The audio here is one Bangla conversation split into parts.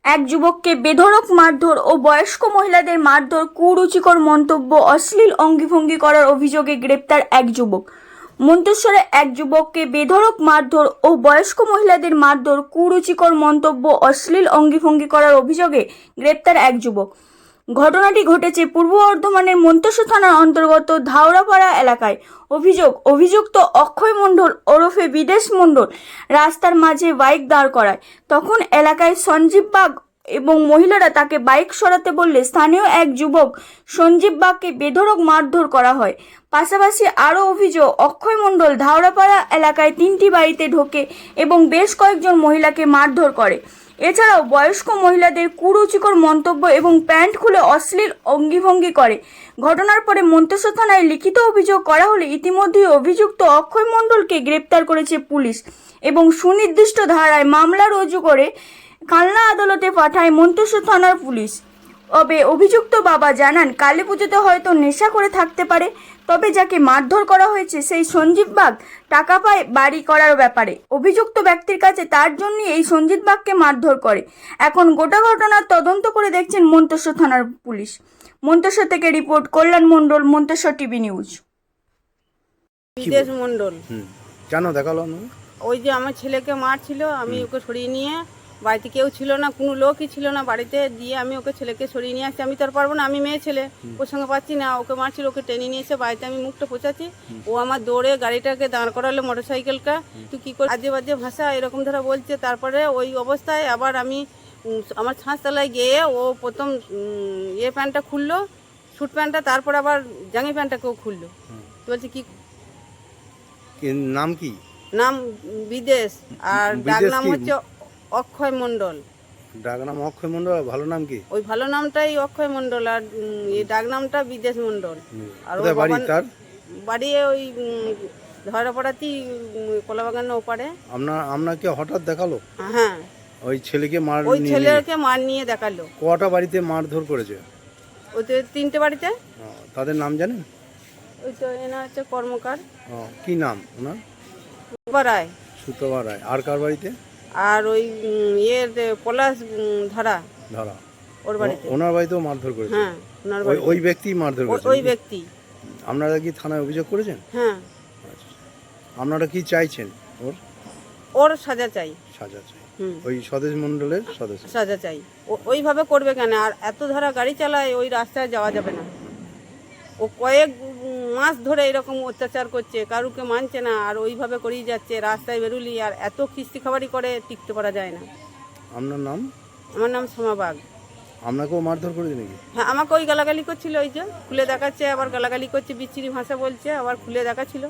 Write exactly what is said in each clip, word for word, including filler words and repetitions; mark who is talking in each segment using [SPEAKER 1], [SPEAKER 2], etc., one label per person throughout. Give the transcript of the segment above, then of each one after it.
[SPEAKER 1] এক যুবককে বেধড়ক মারধর ও বয়স্ক মহিলাদের মারধর, কুরুচিকর মন্তব্য, অশ্লীল অঙ্গভঙ্গি করার অভিযোগে গ্রেপ্তার এক যুবক। মন্তেশ্বরে এক যুবককে বেধড়ক মারধর ও বয়স্ক মহিলাদের মারধর, কুরুচিকর মন্তব্য, অশ্লীল অঙ্গভঙ্গি করার অভিযোগে গ্রেপ্তার এক যুবক। ঘটনাটি ঘটেছে পূর্ব বর্ধমানের মন্তেশ্বর থানার অন্তর্গত ধাওড়াপাড়া এলাকায়। অভিযোগ অভিযুক্ত অক্ষয় মণ্ডল ওরফে বিদেশ মণ্ডল রাস্তার মাঝে বাইক দাঁড় করায়। তখন এলাকায় সঞ্জীব বাগ এবং মহিলারা তাকে বাইক সরাতে বললে স্থানীয় এক যুবক সঞ্জীব বাগকে বেধড়ক মারধর করা হয়। পাশাপাশি আরও অভিযোগ, অক্ষয় মণ্ডল ধাওড়াপাড়া এলাকায় তিনটি বাড়িতে ঢোকে এবং বেশ কয়েকজন মহিলাকে মারধর করে। এছাড়াও বয়স্ক মহিলাদের কুরুচিকর মন্তব্য এবং প্যান্ট খুলে অশ্লীল অঙ্গভঙ্গি করে। ঘটনার পরে মন্তেশ্বর থানায় লিখিত অভিযোগ করা হলে ইতিমধ্যেই অভিযুক্ত অক্ষয় মণ্ডলকে গ্রেপ্তার করেছে পুলিশ এবং সুনির্দিষ্ট ধারায় মামলা রুজু করে কালনা আদালতে পাঠায় মন্তেশ্বর থানার পুলিশ। তবে অভিযুক্ত বাবা জানান, কালী পুজোতে হয়তো নেশা করে থাকতে পারে, তবে যাকে মারধর করা হয়েছে সেই সঞ্জীব বাগ টাকা পায় বাড়ি করার ব্যাপারে। অভিযুক্ত ব্যক্তির কাছে তার জন্যই এই সঞ্জীব বাগকে মারধর করে। এখন গোটা ঘটনার তদন্ত করে দেখছেন মন্তেশ্বর থানার পুলিশ। মন্তেশ্বর থেকে report Kalyan Mondal, Manteswar TV news.
[SPEAKER 2] Bidesh Mondal
[SPEAKER 3] কেন দেখালো?
[SPEAKER 2] ওই যে আমার ছেলেকে মারছিল, আমি ওকে সরিয়ে নিয়ে, বাড়িতে কেউ ছিল না, কোনো লোকই ছিল না বাড়িতে, দিয়ে আমি ওকে ছেলেকে সরিয়ে নিয়ে আসছি। আমি তো আর পারবো না, আমি মেয়ে ছেলে, ওর সঙ্গে পাচ্ছি না। ওকে মারছিল, ওকে টেনে নিয়ে এসে বাড়িতে আমি মুখটা পোছাচ্ছি, ও আমার দৌড়ে গাড়িটাকে দাঁড় করালো, মোটর সাইকেলটা, তুই কী করে আজে বাজে ভাষা এরকম ধরা বলছে। তারপরে ওই অবস্থায় আবার আমি আমার ছাঁচতলায় গিয়ে ও প্রথম ইয়ে প্যান্টটা খুললো, স্যুট প্যান্টটা, তারপর আবার জাঙ্গি প্যান্টটাকেও খুললো। বলছে কি
[SPEAKER 3] নাম কি?
[SPEAKER 2] নাম বিদেশ, আর ডাক নাম হচ্ছে অক্ষয় মণ্ডল।
[SPEAKER 3] ডাক নাম অক্ষয় মণ্ডল, ভালো নাম কি?
[SPEAKER 2] ওই ভালো নামটাই অক্ষয় মণ্ডল, আর এই ডাক নামটা বিদেশ মণ্ডল। আর
[SPEAKER 3] ওর বাড়ি তার
[SPEAKER 2] বাড়ি ওই ধরাপাড়াতেই, কলাবাগানের ওপারে।
[SPEAKER 3] আপনার আপনাকে হঠাৎ দেখালো?
[SPEAKER 2] হ্যাঁ,
[SPEAKER 3] ওই ছেলেকে মার
[SPEAKER 2] ওই ছেলেকে মার নিয়ে দেখালো।
[SPEAKER 3] কটা বাড়িতে মারধর করেছে?
[SPEAKER 2] ওই তো তিনটে বাড়িতে।
[SPEAKER 3] তাদের নাম জানেন?
[SPEAKER 2] ওই তো এনা হচ্ছে কর্মকার।
[SPEAKER 3] কি নাম ওনার?
[SPEAKER 2] সুতবা রায়।
[SPEAKER 3] সুতবা রায়। আর কার বাড়িতে?
[SPEAKER 2] আর ওই ইয়ের পলাশ ধরা
[SPEAKER 3] ধরা,
[SPEAKER 2] ওর বাড়িতে।
[SPEAKER 3] ওনার বাড়িতেও মারধর করেছে?
[SPEAKER 2] হ্যাঁ, ওনার বাড়ি।
[SPEAKER 3] ওই ব্যক্তি মারধর করেছে?
[SPEAKER 2] ওই ব্যক্তি।
[SPEAKER 3] আপনারা কি থানায় অভিযোগ করেছেন?
[SPEAKER 2] হ্যাঁ।
[SPEAKER 3] আপনারা কি চাইছেন? ওর
[SPEAKER 2] ওর সাজা চাই।
[SPEAKER 3] সাজা চাই। ওই স্বদেশ মণ্ডলের সদস্য
[SPEAKER 2] সাজা চাই। ওইভাবে করবে কেন? আর এত ধারা গাড়ি চালায়, ওই রাস্তায় যাওয়া যাবে না। ও কয়েক মাস ধরে এরকম অত্যাচার করছে, কারুকে মানছে না, আর ওইভাবে করেই যাচ্ছে। রাস্তায় বেরুলি আর এত কিস্তি খাবারই করে, টিকতে পারা যায় না।
[SPEAKER 3] আপনার নাম?
[SPEAKER 2] আমার নাম সোমা বাগ।
[SPEAKER 3] আপনাকেও মারধর করেছে নাকি?
[SPEAKER 2] হ্যাঁ, আমাকে ওই গালাগালি করছিল, ওই যে খুলে দেখাচ্ছে, আবার গালাগালি করছে, বিচ্ছিরি ভাষা বলছে, আবার খুলে দেখাচ্ছিল।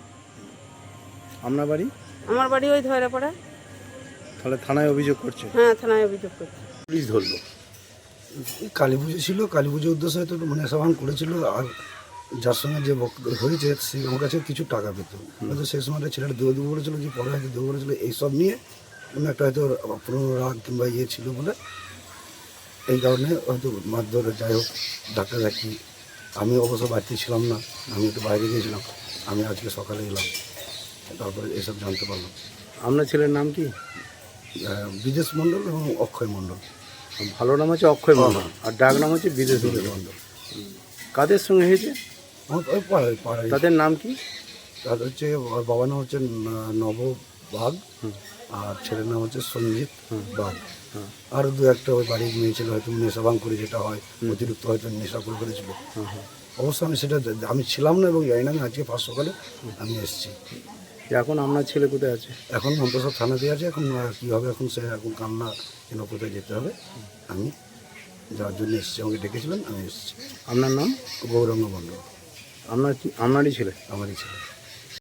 [SPEAKER 3] আপনার বাড়ি?
[SPEAKER 2] আমার বাড়ি ওই ধরাপাড়া।
[SPEAKER 3] তাহলে থানায় অভিযোগ করছে?
[SPEAKER 2] হ্যাঁ, থানায় অভিযোগ করছে।
[SPEAKER 3] পুলিশ ধরলো।
[SPEAKER 4] কালী পুজো ছিল, কালী পুজোর উদ্দেশ্যে হয়তো মানে সাবান করেছিল, আর যার সঙ্গে যে বক্তব্য হয়েছে সে আমার কাছে কিছু টাকা পেত। হয়তো সেই সময়টা ছেলেটা দেবো দেবো বলেছিল, যে পরে হয়তো দেবো বলেছিল, এইসব নিয়ে কোনো একটা হয়তো পুরোনো রাগ কিংবা ইয়ে ছিল বলে, এই কারণে হয়তো মারধর। যাই হোক, ডাক্তার দেখি, আমি অবশ্য বাড়িতে ছিলাম না, আমি একটু বাইরে গিয়েছিলাম। আমি আজকে সকালে এলাম, তারপরে এসব জানতে পারলাম।
[SPEAKER 3] আপনার ছেলের নাম কি?
[SPEAKER 4] বিদেশ মণ্ডল এবং অক্ষয় মণ্ডল।
[SPEAKER 3] ভালো নাম হচ্ছে অক্ষয় মণ্ডল, আর ডাক নাম হচ্ছে বিদেশ মণ্ডল। কাদের সঙ্গে হয়েছে?
[SPEAKER 4] ওই পাড়ায় পাড়ায়।
[SPEAKER 3] তাদের নাম কি?
[SPEAKER 4] তাদের হচ্ছে বাবার নাম হচ্ছে নব বাগ, আর ছেলের নাম হচ্ছে সঞ্জিত বাগ। আর দু একটা ওই বাড়ির মেয়ে ছিল, হয়তো নেশা ভাঙ করে, যেটা হয় অতিরিক্ত হয়তো নেশা করে করেছিল। অবশ্য আমি সেটা আমি ছিলাম না এবং জানি না, আমি আজকে ফার্স্ট সকালে আমি এসেছি।
[SPEAKER 3] এখন আপনার ছেলে কোথায় আছে?
[SPEAKER 4] এখন মন্তেশ্বর থানাতে আছে। এখন কী হবে, এখন সে এখন কান্না কেন, কোথায় যেতে হবে, আমি যাওয়ার জন্য এসেছি। আমাকে ডেকেছিলেন, আমি এসেছি।
[SPEAKER 3] আপনার নাম?
[SPEAKER 4] গৌরাঙ্গ মণ্ডল।
[SPEAKER 3] আপনার কি? আপনারই ছেলে?
[SPEAKER 4] আমারই ছেলে।